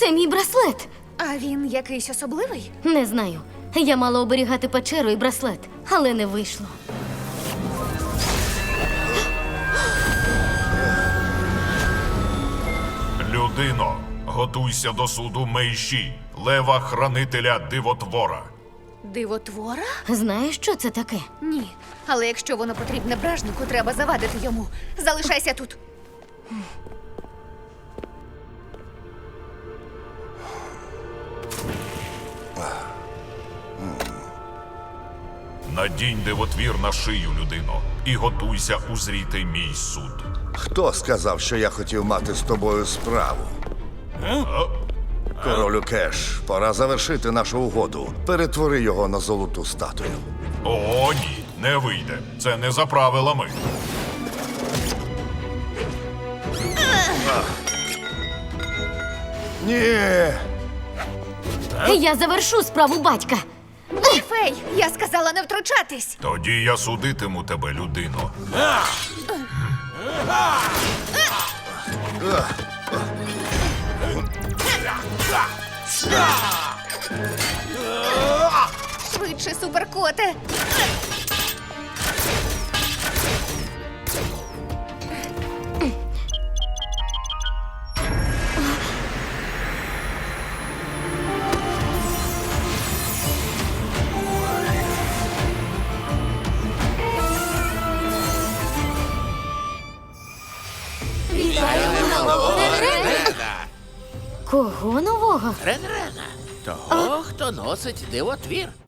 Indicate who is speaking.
Speaker 1: Це мій браслет.
Speaker 2: А він якийсь особливий?
Speaker 1: Не знаю. Я мала оберігати печеру і браслет, але не вийшло.
Speaker 3: Людино, готуйся до суду Мейші, лева-хранителя дивотвора.
Speaker 2: Дивотвора?
Speaker 1: Знаєш, що це таке?
Speaker 2: Ні. Але якщо воно потрібне бражнику, треба завадити йому. Залишайся тут.
Speaker 3: Надінь дивотвір на шию, людино, і готуйся узріти мій суд.
Speaker 4: Хто сказав, що я хотів мати з тобою справу? Королю Кеш, пора завершити нашу угоду. Перетвори його на золоту статую.
Speaker 3: О, ні, не вийде. Це не за правилами.
Speaker 4: Ні!
Speaker 1: Я завершу справу батька.
Speaker 2: Ні, Фей, я сказала не втручатись.
Speaker 3: Тоді я судитиму тебе, людино.
Speaker 2: Швидше, суперкоте.
Speaker 1: Кого нового?
Speaker 5: Рен-Рена. Того, хто носить дивотвір.